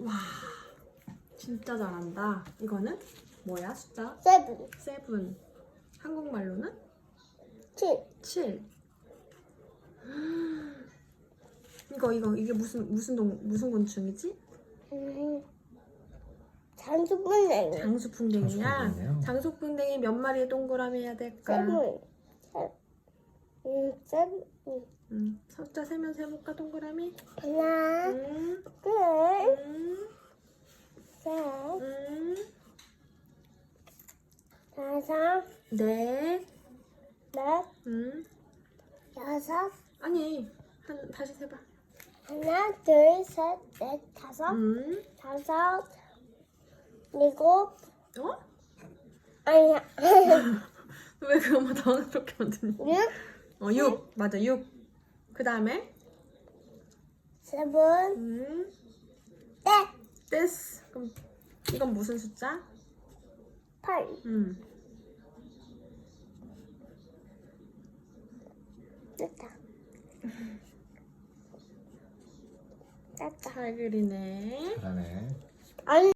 와, 진짜 잘한다. 이거는 뭐야, 숫자? 7. 7. 한국말로는? 7. 7. 이게 무슨 곤충이지? 장수풍뎅이. 장수풍뎅이야. 장수풍뎅이요? 장수풍뎅이 몇 마리의 동그라미 해야 될까? 7. 숫자 세면 세볼까, 동그라미? 하나, 음, 둘, 음, 셋, 다섯, 넷, 넷, 여섯. 여섯. 아니, 다시 세봐. 하나, 둘, 셋, 넷, 다섯, 다섯, 일곱. 어? 아니야. 왜 그것만 당황스럽게 만드니? 6, 6. 맞아, 6. 그 다음에 7, 넷. 8. 됐어. 그럼 이건 무슨 숫자? 8. 됐다. 됐다. 잘 그리네. 잘하네. 아니.